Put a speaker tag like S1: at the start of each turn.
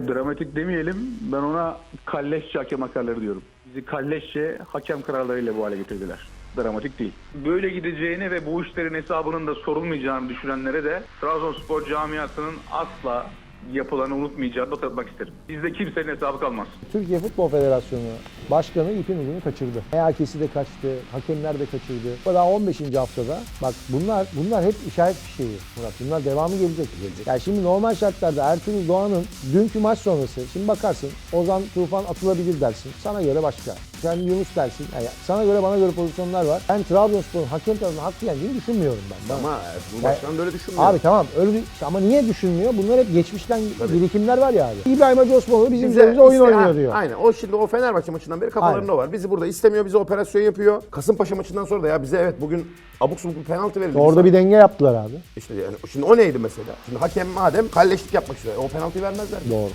S1: Dramatik demeyelim, ben ona kalleşçe hakem hakaları diyorum. Bizi kalleşçe hakem kararlarıyla bu hale getirdiler. Dramatik değil. Böyle gideceğini ve bu işlerin hesabının da sorulmayacağını düşünenlere de Trabzonspor camiasının asla yapılanı unutmayacağını da hatırlatmak isterim. Bizde kimsenin hesabı kalmaz.
S2: Türkiye Futbol Federasyonu Başkanı ipin ucunu kaçırdı. MHK'si de kaçtı, hakemler de kaçırdı. Daha 15. haftada bak bunlar hep işaret fişeği Murat. Bunlar devamı gelecek. Yani şimdi normal şartlarda Ertuğrul Doğan'ın dünkü maç sonrası şimdi bakarsın Ozan Tufan atılabilir dersin. Sana göre başka. Sen Yunus dersin. Yani sana göre bana göre pozisyonlar var. Ben Trabzonspor'un hakem tarafından hakkı yendiğini düşünmüyorum ben.
S3: Ama bu başkan da öyle düşünmüyor.
S2: Abi tamam öyle ama niye düşünmüyor? Bunlar hep geçmişten birikimler var ya abi. İbrahim Hacı Osmanoğlu bizim üzerimize oyun oynuyor diyor.
S3: Aynen. O şimdi o Fenerbahçe maçından beri kafalarında o var. Bizi burada istemiyor, bize operasyon yapıyor. Kasımpaşa maçından sonra da ya bize evet bugün abuk subuk bir penaltı verildi.
S2: Orada bir denge yaptılar abi.
S3: İşte yani şimdi o neydi mesela? Şimdi hakem madem kalleşlik yapmak istiyor. O penaltıyı vermezler.
S2: Doğru.